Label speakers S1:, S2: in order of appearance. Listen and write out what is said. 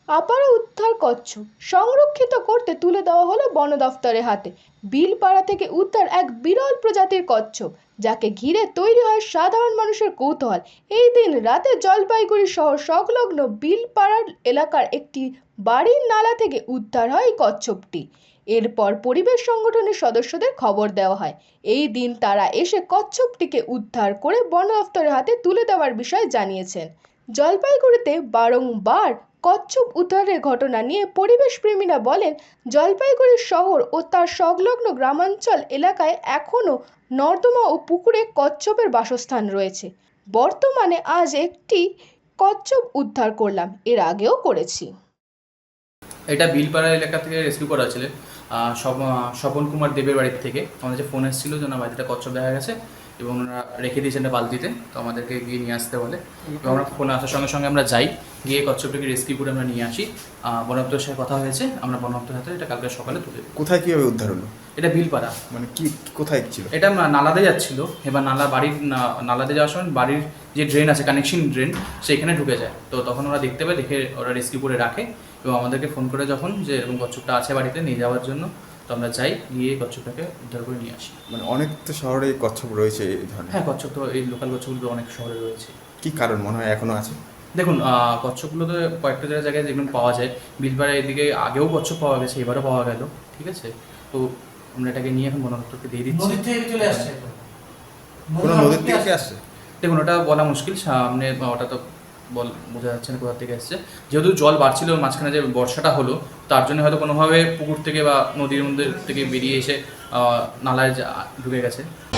S1: আবারও উদ্ধার কচ্ছপ সংরক্ষিত করতে তুলে দেওয়া হলো বন দফতরের হাতে। বিলপাড়া থেকে উদ্ধার এক বিরল প্রজাতির কচ্ছপ, যাকে ঘিরে তৈরি হয় সাধারণ মানুষের কৌতূহল। এই দিন রাতে জলপাইগুড়ি শহর সংলগ্ন বিলপাড়া এলাকার একটি বাড়ির নালা থেকে উদ্ধার হয় এই কচ্ছপটি। এরপর পরিবেশ সংগঠনের সদস্যদের খবর দেওয়া হয়। এই দিন তারা এসে কচ্ছপটিকে উদ্ধার করে বন দফতরের হাতে তুলে দেওয়ার বিষয়ে জানিয়েছেন। জলপাইগুড়িতে বারংবার কচ্ছপ উদ্ধারের ঘটনা নিয়ে পরিবেশ প্রেমীরা বলেন, জলপাইগুড়ি শহর ও তার সংলগ্ন গ্রামাঞ্চল এলাকায় এখনও নর্দমা ও পুকুরে কচ্ছপের বাসস্থান রয়েছে। বর্তমানে আজ একটি কচ্ছপ উদ্ধার করলাম, এর আগেও করেছি।
S2: এটা বিলপাড়া এলাকা থেকে রেস্কিউ করা হয়েছিল স্বপন কুমার দেবের বাড়ির থেকে। আমাদের যে ফোন এসেছিলো যে ওনার বাড়িতে কচ্ছপ দেখা গেছে এবং ওনারা রেখে দিয়েছেন একটা বালতিতে, তো আমাদেরকে গিয়ে নিয়ে আসতে বলে এবং আমরা ফোন আসার সঙ্গে সঙ্গে আমরা যাই, গিয়ে কচ্ছপটাকে রেস্কিউ করে আমরা নিয়ে আসি। বন দপ্তরের সাথে কথা হয়েছে, আমরা বন দপ্তরের হাতে এটা কালকে সকালে তুলে দেবো।
S3: কোথায় কীভাবে উদ্ধার হলো?
S2: এটা বিলপাড়া,
S3: মানে কি কোথায় ছিল
S2: এটা নালাতে যাচ্ছিল। এবার নালাতে যাওয়ার সময় বাড়ির যে ড্রেন আছে, কানেকশন ড্রেন, সেখানে ঢুকে যায়। তো তখন ওরা দেখতে পায়, দেখে ওরা রেস্কিউ করে রাখে এবং আমাদেরকে ফোন করে যখন যে এরকম কচ্ছপটা আছে বাড়িতে নিয়ে যাওয়ার জন্য, তো আমরা যাই, গিয়ে কচ্ছপটাকে উদ্ধার করে নিয়ে আসি।
S3: মানে অনেক তো শহরে কচ্ছপ রয়েছে এই ধরনের।
S2: হ্যাঁ, কচ্ছপ তো এই লোকাল কচ্ছপগুলো অনেক শহরে রয়েছে।
S3: কি কারণ মনে হয় এখনো আছে?
S2: দেখুন, কচ্ছপগুলো তো কয়েকটা জায়গায় যেগুলো পাওয়া যায়, বিলপাড়া এদিকে আগেও কচ্ছপ পাওয়া গেছে, এবারও পাওয়া গেল। ঠিক আছে, তো আমরা এটাকে নিয়ে এখন বন দপ্তরকে দিয়ে দিচ্ছি।
S4: চলে আসছে
S3: কোনো নদীর থেকে আসছে?
S2: দেখুন, ওটা বলা মুশকিল, সামনে ওটা তো বোঝা যাচ্ছে না কোথা থেকে এসছে। যেহেতু জল বাড়ছিল মাঝখানে, যে বর্ষাটা হলো, তার জন্য হয়তো কোনোভাবে পুকুর থেকে বা নদীর মধ্যে থেকে বেরিয়ে এসে নালায় ঢুকে গেছে।